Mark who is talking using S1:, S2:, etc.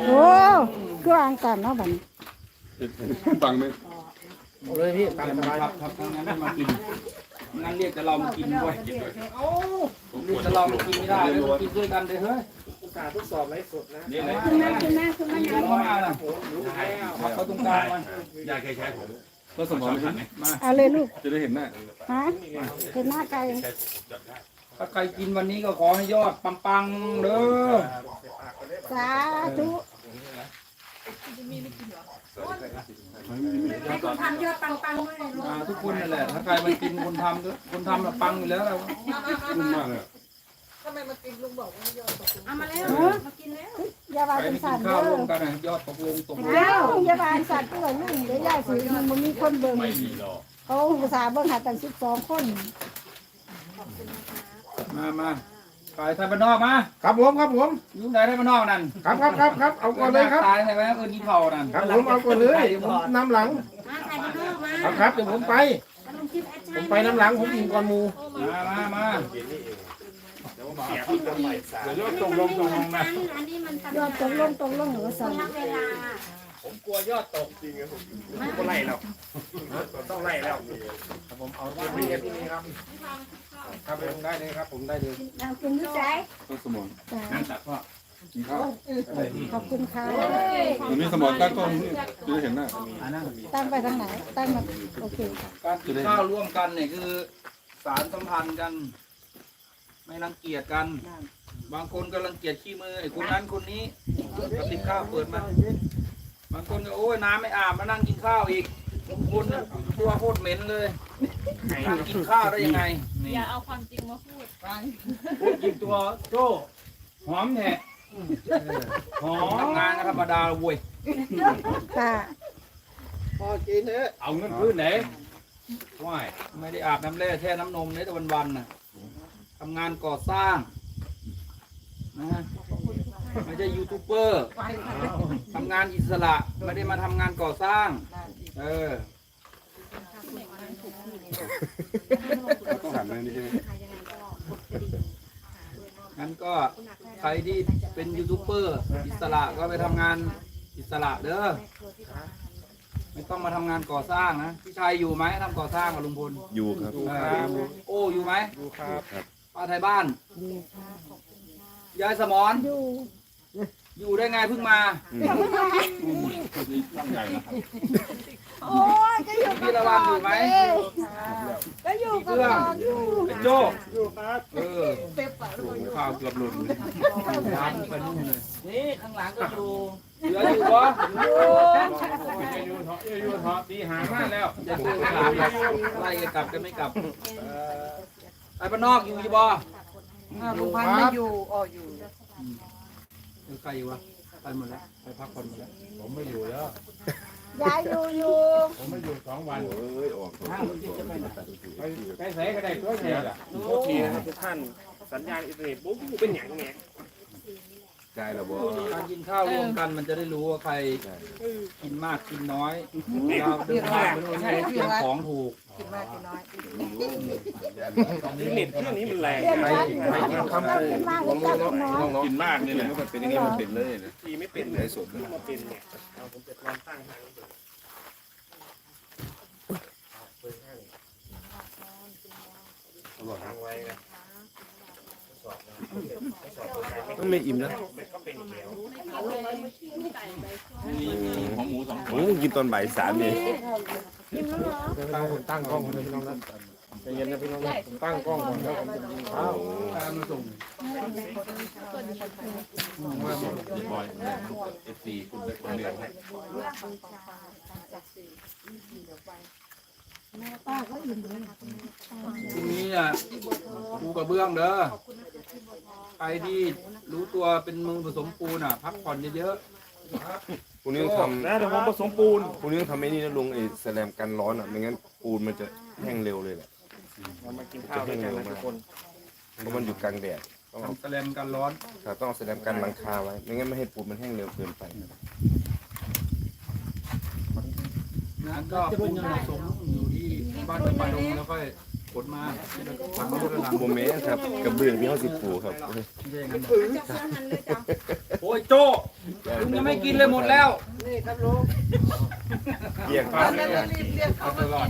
S1: โอ้คืออ่างกันเนาะบัดนี้
S2: ฟังไหม
S3: เอาเลยพี่ตามสบาย
S4: ครับทั้งนั้นไม่มากินงั้นเรียกแต่เรามากินด้วยเรียกแต่เรามากินไม่ได้เลยกินด้วยกันเลยเฮ้ย
S3: อุตส่าห์ทดสอบไลฟ์สดนะ
S4: นี่เลย
S1: ขึ้นมาขึ้นมาขึ้นมา
S4: กินเข้ามาน่ะมาเข้าตรงกลางมัน
S2: ยายเคยใช้ผมก็สมองไหม
S4: มา
S1: เอาเลยลูก
S2: จะได้เห็นหน้า
S1: ฮะเห็นหน้าไก่
S4: ถ้าใครกินวันนี้ก็ขอให้ยอดปังๆเด้อ
S1: สาธุ
S5: ให้คุณทำยอดปังๆด้วยลูก
S4: ทุกคนนั่นแหละถ้าใครมากินคนทำก็คนทำปังอยู่แล้วเรา
S2: ขึ้นมากเลย
S5: เอามาแล้วมากินแล้ว
S1: อย่าบา
S4: ใคร
S1: น
S4: ไม่
S1: สั
S4: กิ
S1: น
S4: น
S1: เด้
S4: ข้าว
S1: อ
S4: ร่วมกันนะยอดตกลงตกลง
S1: เดี๋ยวอย่าบานสัตว์ตัวนึงเดี๋ยวยายสิมันบ่มีคนเบิ่งเขาอุตส่าห์เบิ่งหาตั้ง12 คน
S4: มาไปไทยบ้านนอกมา
S3: ครับผมครับผม
S4: อยู่ไหนไทยบ้านนอกนั่น
S3: ครับเอาก่อนเลยครับ
S4: ตายไหนไหมกินเผานั่น
S3: ครับผมเอาก่อนเลยเดี๋ยวผมนำหลัง
S5: มาถ่ายรูปมา
S3: ครับเดี๋ยวผมไป
S5: ลงคลิปแอด
S3: ผมไปน้ำหลังผมกินก่อนหมู
S4: มา
S2: เดี๋ยวตกลงนะ
S5: อันนี้มัน
S1: ยอดตกลงหรือว่าสั่น
S5: เวลา
S2: ผมกลัวยอดตกจริงครับผมก็ไล่แล้วต้องไล่แล้ว
S3: ครับผมเอาที่นี่ที่นี่ครับครับผมได้เลยครับผมได้เลย
S1: เอากินอยู่ใจ
S2: ก็สมอง
S1: จ้า
S4: นั่นตัดพ่อ
S2: กินข้าว
S1: ขอบคุณค่ะ
S2: มันมีสมองตั้งกล้องนี่จะได้เห็นหน้า
S1: ตั้งไปทางไหนตั้งมาโอเคค่ะ
S4: การกินข้าวร่วมกันเนี่ยคือสารสัมพันธ์กัน ไม่รังเกียจกัน บางคนก็รังเกียจขี้มือไอ้คนนั้นคนนี้ก็ติดข้าวเปิดมา บางคนก็โอ้ยน้ำไม่อาบมานั่งกินข้าวอีกบางคนน่ะตัวโคตรเหม็นเลยนั่งกินข้าวได้ยังไงนี่
S6: อย่าเอาความจริงมาพูดฟัง
S4: พูดกินตัวโจ้หอมแท้หอมทำงานก็ธรรมดาเว้ย
S1: ค่ะ
S3: พอกินเถอะ
S4: เอาเงินพื้นไหนว่ายไม่ได้อาบน้ำแร่แช่น้ำนมในแต่วันๆน่ะทำงานก่อสร้างนะไม่ใช่ยูทูบเบอร์ทำงานอิสระไม่ได้มาทำงานก่อสร้าง เออ
S2: ต้องหันมานี่ใช่ไหม
S4: งั้นก็ใครที่เป็นยูทูบเบอร์อิสระก็ไปทำงานอิสระเด้อไม่ต้องมาทำงานก่อสร้างนะพี่ชายอยู่ไหมทำก่อสร้างกับลุงพล
S2: อยู่ครับ
S4: โอ้อยู่ไหม
S3: ดูครับ
S4: ป้าไทยบ้านยายสมอน
S1: อยู่
S4: อยู่ได้ไงเพิ่งมา
S2: ใหญ่นะครับ
S1: โอ้ยก็อยู่
S4: พี่ละวันอยู่ไหม
S1: ก็อยู่
S4: พี่
S1: กับ
S4: เพื่อน
S1: น้องอยู่
S4: ไอ้โจ้
S3: ดูครับ
S4: เออข้าวเกือบหล่นเลยร้านไปนู่นเลย
S6: นี่ข้างหลังก็อยู่
S4: เหลืออยู่ปะ
S2: อยู่ทอตีหางมากแล้ว
S4: จะซื้อถามไล่กันกลับกันไม่กลับไปบ้านนอกอยู่ยี่บ่
S3: ลุงพันธุ์ไม่อยู่
S4: หรือใครอยู่วะไปหมดแล้วไปพักผ่อนหมดแล้ว
S2: ผมไม่อยู่แล้ว
S1: ยายอยู่
S2: ผมไม่อยู่2 วัน
S4: ห้างคนที่จะไปไหน
S2: ไปใส่ก็ได้ตัวเสียอ่ะ
S3: โอเคนะทุกท่านสัญญาณอินเทอร์เน็ตปุ๊บเป็นอย่างเงี้ย
S2: ใจเราบ่
S4: การกินข้าวร่วมกันมันจะได้รู้ว่าใครกินมากกินน้อยเราเดินทางไปโน่นนี่เตรียมของถูก
S3: เน็ตเครื่องนี้มันแรง
S1: เรียน
S3: ไป
S1: วัด
S3: ไปกิน
S1: เรา
S3: คำ
S1: เป็นมากเลยจ้าคุณน้อง
S2: กินมากนี่แหละมันเป็นอย่างนี้มันเป็นเลยนะ
S3: ทีไม่เป็นเลยสดมาเป็นเนี่ยเอาผมจะลองตั้งทางทางไว้นะ
S7: มันไม่อิ่มนะ
S3: ก็เป็นอีกแล้ว
S2: ของหมู2
S7: ผมกินตอนบ่าย3เนี่ย
S3: ตั้งกล้องคนพี่น้องนะใจเย็นนะพี่น้องนะผมตั้งกล้องก่อนแล้วผมจะกินข้าว
S4: ตามมาส่ง
S2: บอย FC คุณเป็นคนเดียว
S1: ป้าก็อิ่มเลย
S4: พรุ่งนี้อ่ะปูกระเบื้องเด้อใครที่รู้ตัวเป็นมือผสมปูนอ่ะ พักผ่อนเยอะ
S7: พรุ่งนี้ต้องท
S3: นะเดี๋ยวผมผสมปูน
S7: ำพรุ่งนี้ต้องทำไอ้นี่นะลุงไอ้แสลมกันร้อนอ่ะไม่งั้นปูนมันจะแห้งเร็วเลยแหละ
S3: เรามากินข้าวด้วยกันนะทุกคน
S7: เพราะมันอยู่กลางแดดต้อง
S4: ๆ
S7: เอา
S4: ทำแสลมกันร้อน
S7: ต้องเอาแสลมกันหลังคาไว้ไม่งั้นไม่ให้ปูนมันแห้งเร็วเกินไป
S4: นะก็ปูนผสมอยู่ที่บ้านป่าดงแล้วก็ขนมาฝังไว้ด้านหลัง
S7: โมเมนต์ครับกระเบื้องที่เขาสิปูครับ
S4: ไม่ใช่อย่างนั้นหรอก
S5: จะเสื้อหันเลยจ้ะ
S4: โอ้ยโจ้ลุงยังไม่กินเลยหมดแล้ว
S3: นี่ครับลุง
S7: เกี่ยง
S3: ตลอด